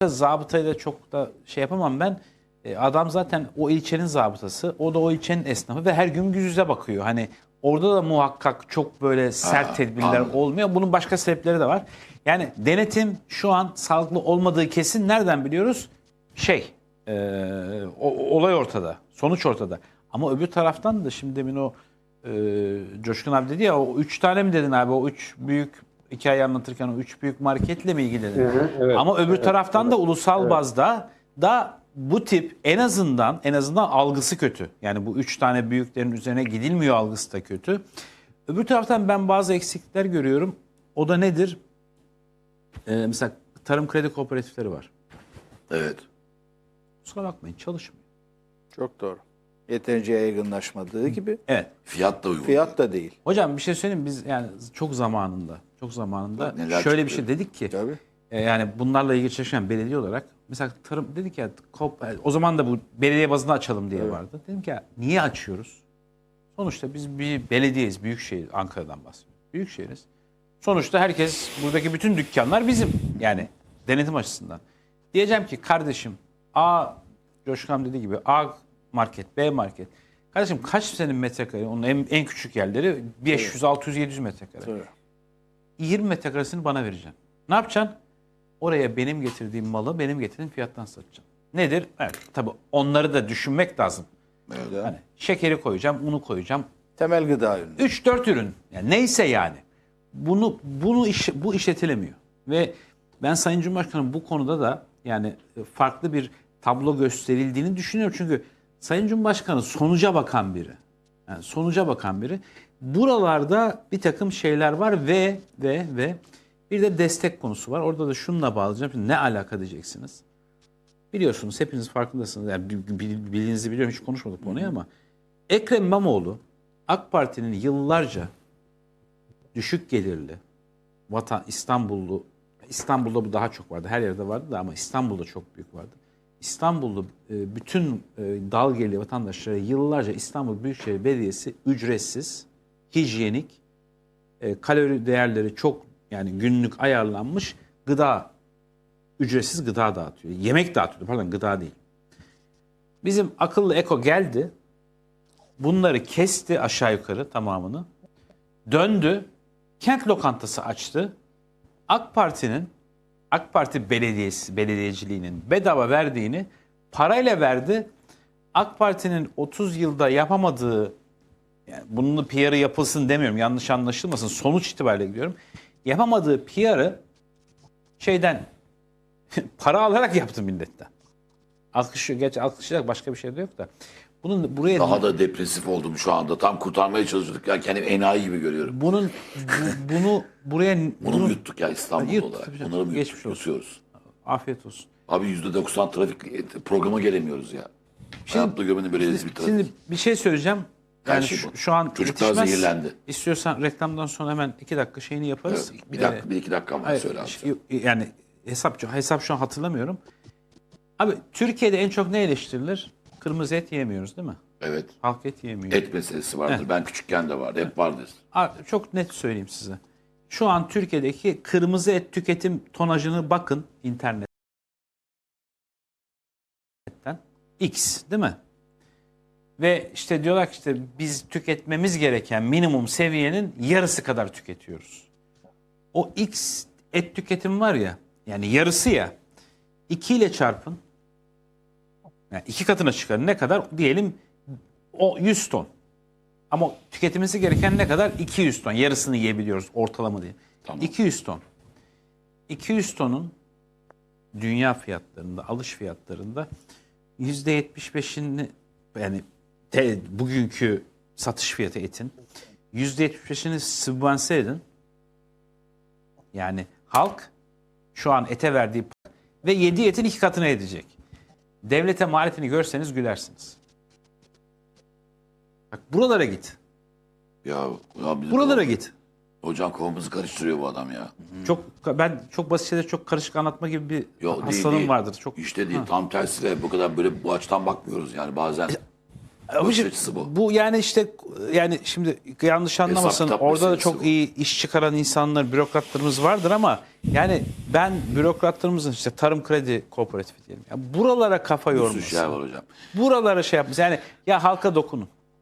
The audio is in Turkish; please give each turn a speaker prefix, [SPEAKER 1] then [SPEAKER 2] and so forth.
[SPEAKER 1] Zabıtayı da çok da şey yapamam ben. Adam zaten o ilçenin zabıtası, o da o ilçenin esnafı ve her gün yüz yüze bakıyor. Hani orada da muhakkak çok böyle sert tedbirler olmuyor. Bunun başka sebepleri de var. Yani denetim şu an sağlıklı olmadığı kesin. Nereden biliyoruz? Olay ortada, sonuç ortada. Ama öbür taraftan da şimdi demin o Coşkun abi dedi ya, o 3 tane mi dedin abi, o 3 büyük hikaye anlatırken o 3 büyük marketle mi ilgili dedin?
[SPEAKER 2] Evet,
[SPEAKER 1] ama öbür taraftan da
[SPEAKER 2] evet,
[SPEAKER 1] ulusal bazda da bu tip en azından algısı kötü. Yani bu 3 tane büyüklerin üzerine gidilmiyor algısı da kötü. Öbür taraftan ben bazı eksiklikler görüyorum. O da nedir? Mesela tarım kredi kooperatifleri var.
[SPEAKER 3] Evet.
[SPEAKER 1] Kusura bakmayın, çalışmıyor.
[SPEAKER 4] Çok doğru. Yeterince yaygınlaşmadığı gibi
[SPEAKER 1] Evet.
[SPEAKER 3] Fiyat da uygun.
[SPEAKER 4] fiyat da değil.
[SPEAKER 1] Hocam bir şey söyleyeyim mi? Biz yani çok zamanında
[SPEAKER 3] Bak neler
[SPEAKER 1] şöyle bir
[SPEAKER 3] çıkıyor.
[SPEAKER 1] şey dedik ki
[SPEAKER 4] Tabii.
[SPEAKER 1] yani bunlarla ilgili çalışan belediye olarak mesela tarım dedik ya, o zaman da bu belediye bazında açalım diye vardı. Dedim ki ya, niye açıyoruz? Sonuçta biz bir belediyeyiz, büyükşehir, Ankara'dan bahsediyoruz. Büyükşehiriz. Sonuçta herkes, buradaki bütün dükkanlar bizim. Yani denetim açısından. Diyeceğim ki kardeşim, Coşkan dediği gibi A market, B market. Kardeşim kaç senin metrekare? Onun en küçük yerleri 500, 600, 700 metrekare.
[SPEAKER 4] Tabii.
[SPEAKER 1] 20 metrekaresini bana vereceksin. Ne yapacaksın? Oraya benim getirdiğim malı benim getirdiğim fiyattan satacaksın. Nedir? Evet, tabii onları da düşünmek lazım.
[SPEAKER 4] Evet.
[SPEAKER 1] Hani şekeri koyacağım, unu koyacağım.
[SPEAKER 4] Temel gıda ürünü.
[SPEAKER 1] 3-4 ürün. Yani neyse yani. Bu işletilemiyor. Ve ben Sayın Cumhurbaşkanım bu konuda da yani farklı bir tablo gösterildiğini düşünüyorum. Çünkü Sayın Cumhurbaşkanı sonuca bakan biri. Yani sonuca bakan biri. Buralarda bir takım şeyler var ve bir de destek konusu var. Orada da şununla bağlayacağım. Şimdi ne alaka diyeceksiniz? Biliyorsunuz, hepiniz farkındasınız. Yani bildiğinizi biliyorum, hiç konuşmadık bu konuyu ama Ekrem İmamoğlu AK Parti'nin yıllarca düşük gelirli İstanbul'da bu daha çok vardı. Her yerde vardı da ama İstanbul'da çok büyük vardı. İstanbul'da bütün dal gelirli vatandaşlara yıllarca İstanbul Büyükşehir Belediyesi ücretsiz, hijyenik, kalori değerleri çok, yani günlük ayarlanmış ücretsiz gıda dağıtıyor. Yemek dağıtıyor, pardon, gıda değil. Bizim akıllı Eko geldi, bunları kesti aşağı yukarı tamamını, döndü, kent lokantası açtı. AK Parti belediyeciliğinin bedava verdiğini parayla verdi. AK Parti'nin 30 yılda yapamadığı, yani bunun PR'ı yapılsın demiyorum, yanlış anlaşılmasın, sonuç itibariyle gidiyorum. Yapamadığı PR'ı para alarak yaptı milletten. Alkışlayacak başka bir şey de yok da. Bunun buraya
[SPEAKER 3] Daha da depresif oldum şu anda. Tam kurtarmaya çalışıyorduk. Ya kendimi enayi gibi görüyorum. Bunu yuttuk ya İstanbul olarak. Bunları mı
[SPEAKER 1] Geçmiş olsun.
[SPEAKER 3] yutuyoruz?
[SPEAKER 1] Afiyet olsun.
[SPEAKER 3] Abi %90 trafik programa gelemiyoruz ya. Hayatta görmedim böyle rezil bir trafik.
[SPEAKER 1] Şimdi bir şey söyleyeceğim.
[SPEAKER 3] Her
[SPEAKER 1] Yani
[SPEAKER 3] şey bu.
[SPEAKER 1] şu an
[SPEAKER 3] Çocuklar
[SPEAKER 1] yetişmez.
[SPEAKER 3] zehirlendi.
[SPEAKER 1] İstiyorsan reklamdan sonra hemen 2 dakika şeyini yaparız.
[SPEAKER 3] Bir dakika, bir iki dakika var, söyle abi.
[SPEAKER 1] Yani hesap şu an hatırlamıyorum. Abi Türkiye'de en çok ne eleştirilir? Kırmızı et yemiyoruz değil mi?
[SPEAKER 3] Evet.
[SPEAKER 1] Halk et yemiyor.
[SPEAKER 3] Et meselesi vardır.
[SPEAKER 1] Evet.
[SPEAKER 3] Ben küçükken de vardı. Hep vardı.
[SPEAKER 1] Çok net söyleyeyim size. Şu an Türkiye'deki kırmızı et tüketim tonajını bakın internetten. X değil mi? Ve işte diyorlar ki işte biz tüketmemiz gereken minimum seviyenin yarısı kadar tüketiyoruz. O X et tüketim var ya, yani yarısı ya, 2 ile çarpın. Yani 2 katına çıkar. Ne kadar? Diyelim o 100 ton. Ama tüketilmesi gereken ne kadar? 200 ton. Yarısını yiyebiliyoruz ortalama diye.
[SPEAKER 3] Tamam.
[SPEAKER 1] 200 ton. 200 tonun dünya fiyatlarında, alış fiyatlarında %75'ini, yani bugünkü satış fiyatı etin %75'ini sübvanse edin. Yani halk şu an ete verdiği ve yediği etin 2 katına edecek. Devlete maliyetini görseniz gülersiniz. Bak buralara git.
[SPEAKER 3] Ya
[SPEAKER 1] Buralara git.
[SPEAKER 3] Hocam kafamızı karıştırıyor bu adam ya.
[SPEAKER 1] Ben çok basit şeyleri çok karışık anlatma gibi bir
[SPEAKER 3] Yok,
[SPEAKER 1] hastalığım
[SPEAKER 3] değil.
[SPEAKER 1] vardır. Çok
[SPEAKER 3] İşte değil. Tam tersi de bu kadar böyle bu açıdan bakmıyoruz yani bazen. Bakış
[SPEAKER 1] Abiciğim,
[SPEAKER 3] açısı bu.
[SPEAKER 1] bu yani işte yani şimdi yanlış anlamasın,
[SPEAKER 3] kitap
[SPEAKER 1] orada da
[SPEAKER 3] meselesi
[SPEAKER 1] çok
[SPEAKER 3] bu.
[SPEAKER 1] iyi iş çıkaran insanlar, bürokratlarımız vardır ama yani ben bürokratlarımızın işte Tarım Kredi Kooperatifi diyelim. Yani buralara kafa
[SPEAKER 3] Bir sürü
[SPEAKER 1] yorması.
[SPEAKER 3] şey var hocam.
[SPEAKER 1] Buralara şey yapması. Yani ya halka dokunun.